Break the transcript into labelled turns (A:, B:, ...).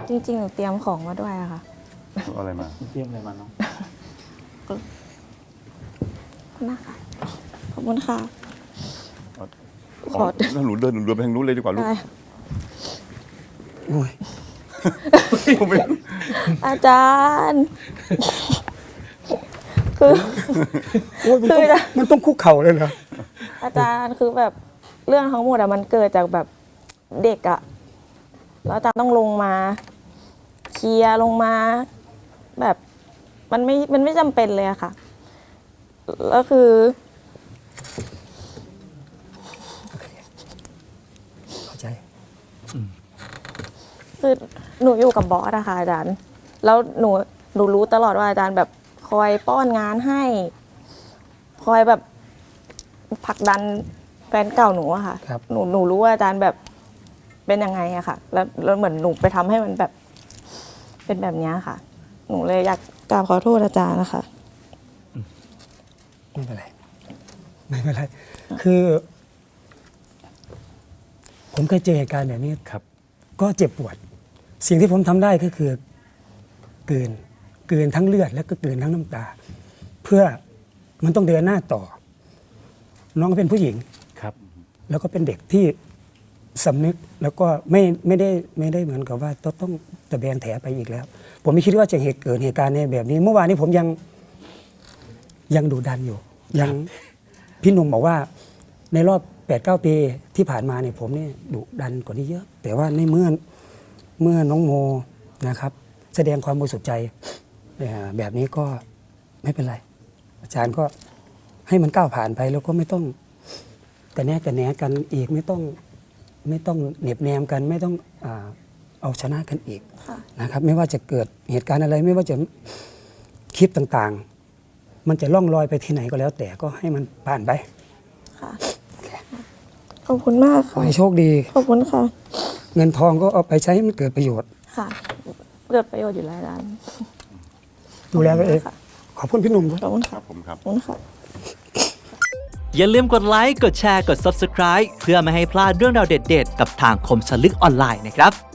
A: จริงๆหนูเตรียมของมาด้วยอะค่ะ
B: เอาอะไรมา
C: เตรียมอะไรมาเนาะ
A: นะคะขอบคุณค่ะ ข
B: อ๋
A: อ
B: อถ้าหนูเดินไปทางนู้นเลยดีกว่าลูก
A: ได้
D: โอ้ย
B: ผมไม่
A: อาจารย์ คือ
D: โอ้ยมันต้องคุกเข่าเลยเหรอ
A: อาจารย์คือแบบเรื่องทั้งหมดอะมันเกิดจากแบบเด็กอะแล้วอาจารย์ต้องลงมาเคลียร์ลงมาแบบมันไม่จำเป็นเลยอะค่ะแล้วคือ
D: เข้าใจ
A: คือหนูอยู่กับบอสอะค่ะอาจารย์แล้วหนูรู้ตลอดว่าอาจารย์แบบคอยป้อนงานให้ คอยแบบผลักดันแฟนเก่าหนูอะค่ะ
D: ครับ
A: หนูรู้ว่าอาจารย์แบบเป็นยังไงอะค่ะ แล้วเหมือนหนูไปทำให้มันแบบเป็นแบบเนี้ยค่ะ หนูเลยอยากกราบขอโทษอาจารย์นะคะ
D: ไม่เป็นไร ไม่เป็นไร คือ ผมเคยเจอเหตุการณ์แบบนี้
C: ครับ
D: ก็เจ็บปวด สิ่งที่ผมทำได้ก็คือกลืนทั้งเลือดและก็กลืนทั้งน้ำตา เพื่อมันต้องเดินหน้าต่อ น้องก็เป็นผู้หญิง
C: ครับ
D: แล้วก็เป็นเด็กที่สำนึกแล้วก็ไม่ได้เหมือนกับว่าต้องตะแบงแถไปอีกแล้ว ผมไม่คิดว่าจะเกิดเหตุการณ์ในแบบนี้ เมื่อวานนี้ผมยังดุดันอยู่ ยังพี่หนุ่มบอกว่าในรอบ 8-9 ปีที่ผ่านมาเนี่ยผมเนี่ยดุดันกว่านี้เยอะ แต่ว่าในเมื่อน้องโมนะครับ แสดงความบริสุทธิ์ใจแบบนี้ก็ไม่เป็นไร อาจารย์ก็ให้มันก้าวผ่านไปแล้วก็ไม่ต้องกระแนะกันอีกไม่ต้องเหน็บแนมกันไม่ต้องเอาชนะกันอีก
A: ค่ะ
D: นะครับ ไม่ว่าจะเกิดเหตุการณ์อะไร ไม่ว่าจะคลิปต่างๆ มันจะล่องลอยไปที่ไหนก็แล้ว แต่ก็ให้มันผ่านไป
A: ค่ะขอบคุณมาก
D: ขอ
A: ค่ะ
D: ให้โชคดี
A: ขอบคุณค่ะ
D: เงินทองก็เอาไปใช้ให้มันเกิดประโยชน์
A: ค่ะเกิดประโยชน์อยู่แล้วอาจารย์
D: ดูแลตัวเอง
A: ค่ะ
D: ขอบคุณพี่หนุ่มด้วย
A: ขอบคุณ
B: ค
A: ค่ะ
B: รับผมครับ
A: ขอบคุณค่ะ
E: อย่าลืมกดไลค์ กดแชร์ กด Subscribe เพื่อไม่ให้พลาดเรื่องราวเด็ดๆ กับทางคมสนลึกออนไลน์นะครับ